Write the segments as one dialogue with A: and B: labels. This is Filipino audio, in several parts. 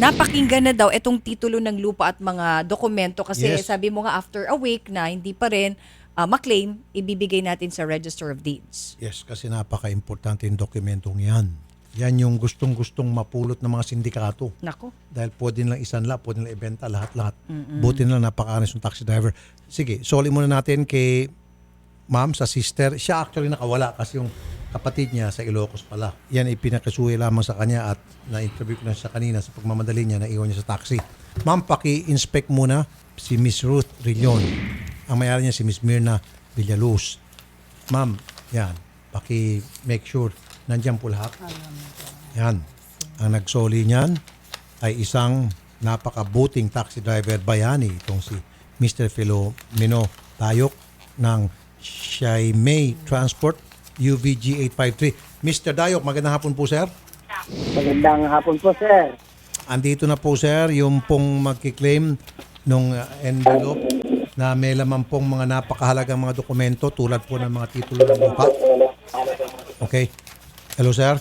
A: napakinggan na daw itong titulo ng lupa at mga dokumento kasi
B: Yes.
A: sabi mo nga after a week na hindi pa rin maklaim, ibibigay natin sa Register of Deeds.
B: Yes, kasi napaka-importante yung dokumentong yan. Yan yung gustong-gustong mapulot ng mga sindikato.
A: Nako.
B: Dahil pwede nilang isanla, pwede nilang ibenta, lahat-lahat. Buti na lang napaka-honest yung taxi driver. Sige, soli muna natin kay ma'am sa sister. Siya actually nakawala kasi yung kapatid niya sa Ilocos pala. Yan ipinakasuhi lamang sa kanya at na-interview ko na siya kanina sa pagmamadali niya na iwan niya sa taxi. Ma'am, paki-inspect muna si Miss Ruth Rillon. Ang mayari niya si Miss Mirna Villaluz. Ma'am, yan. Paki-make sure nandiyan po lahat. Yan. Ang nagsoli niyan ay isang napakabuting taxi driver bayani itong si Mr. Filomeno Tayok ng Shaimei Transport UVG 853. Mr. Dayok, magandang hapon po, sir.
C: Magandang hapon po, sir.
B: Andito na po, sir, yung pong magkiklaim nung envelope na may laman pong mga napakahalagang mga dokumento tulad po ng mga titulo ng lupa. Okay. Hello, sir.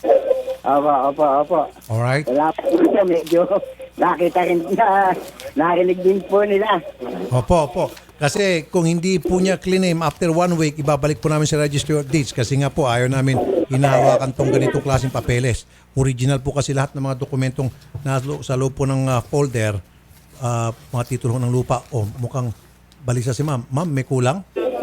C: Opo.
B: Alright.
C: Wala po ito, medyo nakita rin na narinig din po nila.
B: Opo. Kasi kung hindi po niya claim after 1 week, ibabalik po namin sa Registry of Deeds kasi nga po ayaw namin hinahawakan tong ganitong klaseng papeles. Original po kasi lahat ng mga dokumentong sa loob po ng folder, mga titulo ng lupa. Mukhang balisa si ma'am. Ma'am, may kulang?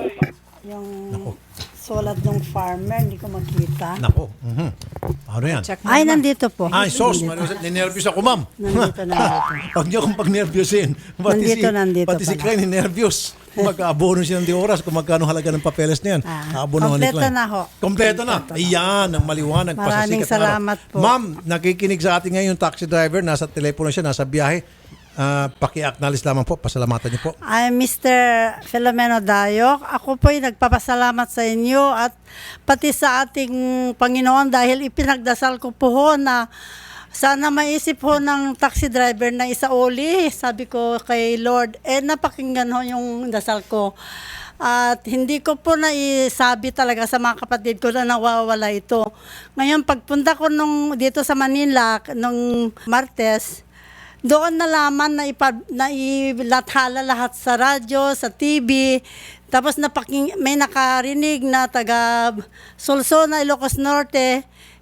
D: Yung
B: Nako.
D: sulat ng farmer, hindi ko makita.
B: Nako. Ano yan?
A: Check mo
D: Ay,
A: naman.
D: nandito po.
B: Ay, sos. Ninervyos ako, ma'am.
D: Nandito.
B: Pag niyo akong pag-nervyosin.
D: Nandito
B: Pati si
D: pala.
B: Klein, ninervyos. Mag-aabono siya ng di oras kung magkano halaga ng papeles na yan. Aabono ni
D: kompleto
B: Klein.
D: na ho.
B: Kompleto na. Ayan, ang maliwanag.
D: Maraming
B: pasasikat na araw.
D: salamat po.
B: Ma'am, nakikinig sa atin ngayon yung taxi driver. Nasa telepono siya, nasa biyahe. Paki-acknowledge lamang po. Pasalamatan niyo po.
D: I'm Mr. Filomeno Dayok. Ako po'y nagpapasalamat sa inyo at pati sa ating Panginoon dahil ipinagdasal ko po ho na sana maisip ho ng taxi driver na isauli. Sabi ko kay Lord, napakinggan ho yung dasal ko. At hindi ko po naisabi talaga sa mga kapatid ko na nawawala ito. Ngayon, pagpunta ko dito sa Manila nung Martes, doon nalaman na ilathala lahat sa radyo, sa TV. Tapos may nakarinig na taga Solsona, Ilocos Norte.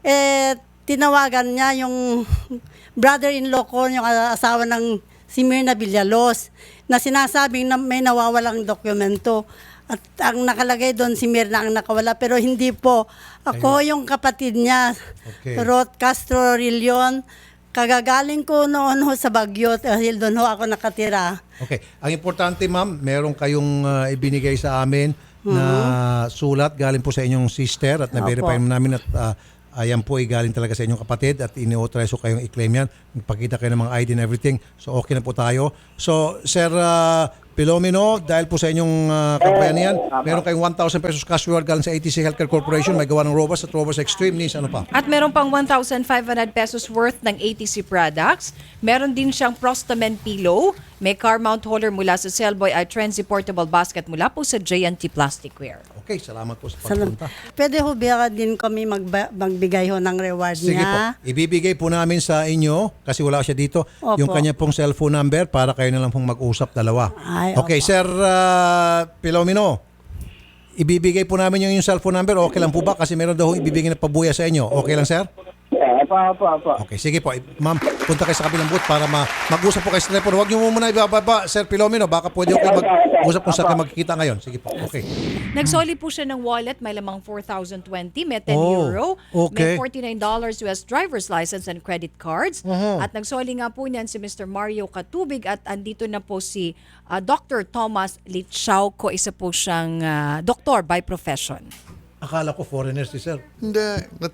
D: Tinawagan niya yung brother-in-law ko, yung asawa ng si Mirna Villaluz, na sinasabing na may nawawalang dokumento. At ang nakalagay doon, si Mirna ang nakawala. Pero hindi po. Ako yung kapatid niya,
B: Okay.
D: Ruth Castro Rillon. Kagagaling ko noon ho sa Baguio dahil doon ho ako nakatira.
B: Okay. Ang importante, ma'am, meron kayong ibinigay sa amin na sulat galing po sa inyong sister at na-verify
D: Opo.
B: namin at ayan po ay galing talaga sa inyong kapatid at ini-authorize ko kayong i-claim yan. Magpakita kayo ng mga ID and everything. So okay na po tayo. So Sir Filomeno, dahil po sa inyong kampanya yan, meron kayong 1,000 pesos cash reward galing sa ATC Healthcare Corporation. May gawa ng Robust at Robust Extreme. Nis, ano pa?
A: At meron pang 1,500 pesos worth ng ATC products. Meron din siyang Prostamen pillow. May car mount holder mula sa Cellboy at Trenzy portable basket mula po sa JNT Plasticware.
B: Okay, salamat po sa pagpunta.
D: Pwede ho ba din kami magbigay ho ng reward
B: Sige
D: niya?
B: po. Ibibigay po namin sa inyo, kasi wala siya dito,
D: Opo.
B: yung kanya pong cellphone number para kayo na lang pong mag-usap dalawa.
D: Ay,
B: Okay,
D: opo.
B: Sir Filomeno, ibibigay po namin yung cellphone number. Okay lang po ba? Kasi meron daw ibibigay na pabuya sa inyo. Okay lang, sir?
C: Opo.
B: Okay, sige po. Ma'am, punta kayo sa kabilang booth para mag-usap po kayo sa telepono. Huwag niyo muna ibababa, Sir Filomeno. Baka pwede kayo mag-usap kung saan kayo magkikita ngayon. Sige po. Okay.
A: Nagsoli po siya ng wallet, may lamang 4,020, may 10
B: Oh,
A: euro,
B: okay.
A: may $49 US driver's license and credit cards. At nagsoli nga po niyan si Mr. Mario Katubig at andito na po si Dr. Thomas Litschauco, isa po siyang doktor by profession.
B: Akala ko foreigner si Sir.
E: Hindi.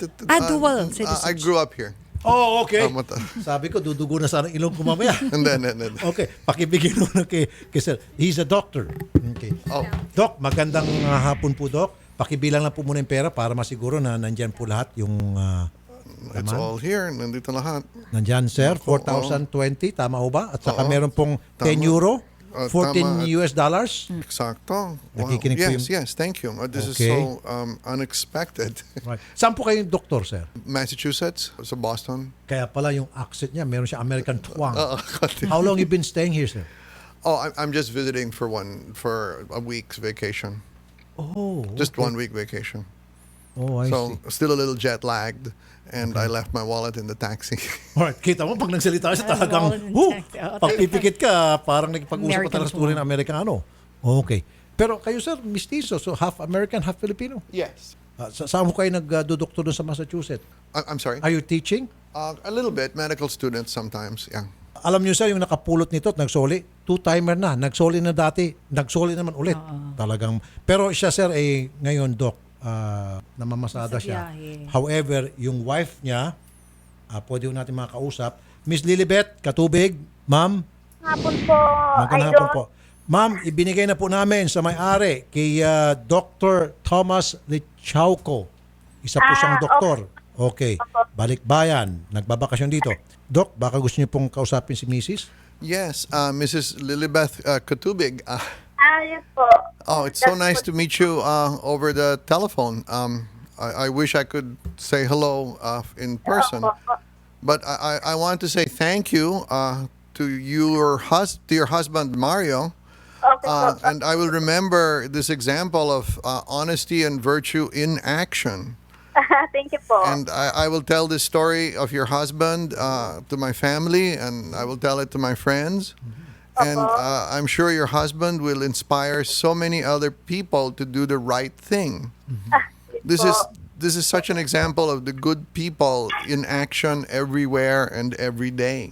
A: Dual
E: I
A: citizenship.
E: grew up here.
B: Oh, okay.
E: Sabi
B: ko, dudugo na sana ilong ko mamaya.
E: Hindi.
B: Okay, pakibigyan mo na kay Sir. He's a doctor. Okay.
E: Oh.
B: Doc, magandang hapon po, Doc. Pakibilang lang po muna yung pera para masiguro na nandyan po lahat yung...
E: It's all here. Nandito lahat.
B: nandyan, Sir, 4,020, tama ho ba? At saka
E: Oo.
B: meron pong 10
E: Tama.
B: euro 14
E: tama.
B: US dollars?
E: Exacto. Wow.
B: Nakikinig po
E: Yes,
B: yung-
E: yes. Thank you. This is
B: Okay.
E: so unexpected.
B: Right. Saan po kayong doktor, sir?
E: Massachusetts, sa Boston.
B: Kaya pala yung accent niya, meron siya American twang.
E: konti.
B: How long you been staying here, sir?
E: Oh, I'm just visiting for a week's vacation.
B: Oh,
E: Just 1 week vacation.
B: Oh, I
E: So
B: see.
E: still a little jet lagged, and I left my wallet in the taxi.
B: Alright, kita mo, pag nagsalita siya talagang,
A: wallet and check.
B: pag pipikit ka, parang nagpag-usap ka
A: American
B: talaga sa tunay na Amerikano. Okay. Pero kayo, sir, mistizo, so half American, half Filipino.
E: Yes.
B: Saan mo kayo nagdudoktor doon sa Massachusetts?
E: I'm sorry.
B: Are you teaching?
E: A little bit. Medical students sometimes. Yeah.
B: Alam niyo, sir, yung nakapulot nito at nagsoli, two-timer na. Nagsoli na dati, nagsoli naman ulit. Talagang, pero siya, sir, ngayon, doc, namamasada
A: Nasa
B: siya.
A: biyahe.
B: However, yung wife niya, pwede ho natin makakausap. Miss Lilibet, Katubig, ma'am,
F: Hapon po,
B: magandang hapon po. Ma'am, ibinigay na po namin sa may-ari kay Dr. Thomas Lichauco. Isa po siyang doktor. Okay. Balikbayan. Nagbabakasyon dito. Doc, baka gusto niyo pong kausapin si Mrs.?
E: Yes, Mrs. Lilibeth Katubig.
F: Yes po.
E: Oh, it's so nice to meet you over the telephone. I wish I could say hello in person, but I want to say thank you to your husband Mario,
F: Okay po.
E: and I will remember this example of honesty and virtue in action.
F: Thank you po.
E: And I will tell this story of your husband to my family, and I will tell it to my friends. And I'm sure your husband will inspire so many other people to do the right thing. This is such an example of the good people in action everywhere and every day.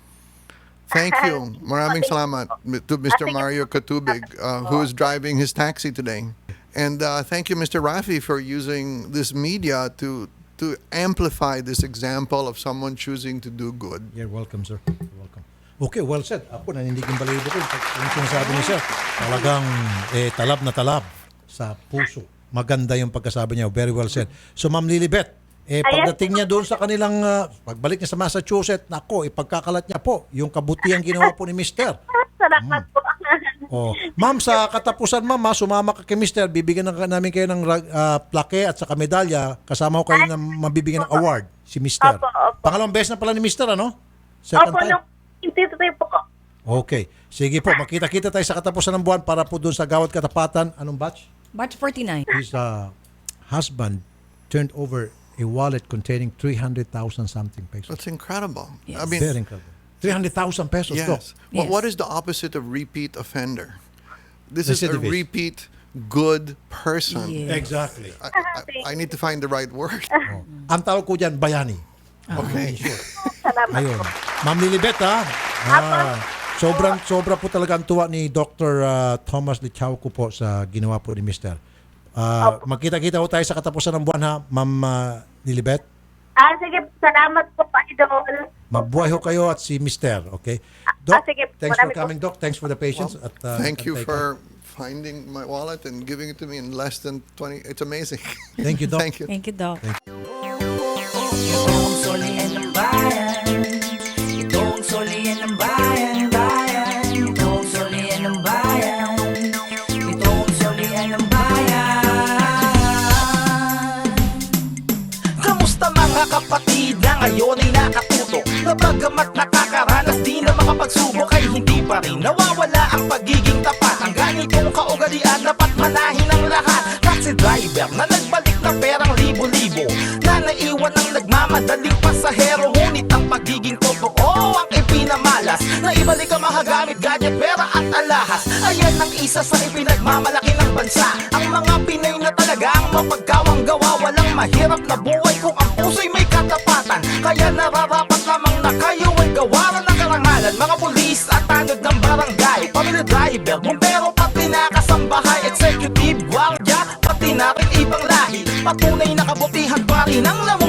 E: Thank you. Maraming salamat to Mr. Mario Katubig, who is driving his taxi today. And thank you, Mr. Rafi, for using this media to amplify this example of someone choosing to do good.
B: You're welcome, sir. You're welcome. Okay, well said. Ako, nanindigin balibo ko. Yung sinasabi niya, sir, talagang talab na talab sa puso. Maganda yung pagkasabi niya. Very well said. So, Ma'am Lilibet, pagdating niya doon sa kanilang, pagbalik niya sa Massachusetts, nako, ipagkakalat niya po yung kabutihan ginawa po ni Mister.
F: Salamat po.
B: Oh. Ma'am, sa katapusan, ma'am, sumama ka kay Mister, bibigyan namin kayo ng plaque at saka medalya, kasama ko kayo na mabibigyan ng award, si Mister.
F: Opo, opo.
B: Pangalawang beses na pala ni Mister, ano? Second
F: Opo,
B: time?
F: nung intituloy po ko.
B: Okay. Sige po, makita-kita tayo sa katapusan ng buwan para po doon sa Gawad Katapatan. Anong batch?
A: March 49.
B: His husband turned over a wallet containing 300,000 something pesos.
E: That's incredible. I
A: Yes.
E: mean,
B: Very incredible. 300,000 pesos, Doc.
E: yes.
A: Yes.
E: What is the opposite of repeat offender? This is a
B: Recidivist.
E: repeat good person.
A: Yeah.
B: Exactly.
E: I need to find the right word.
B: Oh. Ang tawag ko dyan, bayani.
E: Okay.
F: Salamat
B: Ayun.
F: po.
B: Ma'am Lilibet, sobra po talaga ang tuwa ni Dr. Thomas Lichauco po sa ginawa po ni Mr. Magkita-kita po tayo sa katapusan ng buwan, ha, Ma'am Lilibet.
F: Sige, salamat po, Idol.
B: Mabuhay ho kayo at si Mr. Okay? Doc,
F: sige.
B: thanks for
F: Marami po.
B: coming, Doc. Thanks for the patience. At,
E: Thank you
B: antay ka.
E: for finding my wallet and giving it to me in less than 20. It's amazing.
B: Thank you, Doc.
E: Thank you.
A: Thank you, Doc.
G: Itong solihin ng bayan, itong solihin ng bayan, bayan, itong solihin ng bayan, itong solihin ng bayan. Kamusta mga kapatid na ngayon ay nakatutok, na bagamat nakakaranas di na makapagsubok ay hindi pa rin nawawala ang pagiging tapat. Ang ganitong kaugalian dapat manahin ng lahat. Taxi driver na nagbalik na perang libo-libo, na naiwan ang nagmamadaling pasahero. Ngunit ang pagiging totoo ang ipinamalas, na ibalik ang mahagamit, gadget, pera at alahas. Ayan ang isa sa ipinagmamalaki ng bansa. Ang mga Pinay na talaga ang mapagkawang gawa. Walang mahirap na buhay kung ang puso'y may katapatan. Kaya nararapat lamang na kayo ay gawaran ng karangalan. Mga pulis at tanod ng barangay, pamilya driver, bumbero, pati na kasambahay, executive, guardia, pati na rin ibang lahi. Patunay na kabutihan pa rin ang laman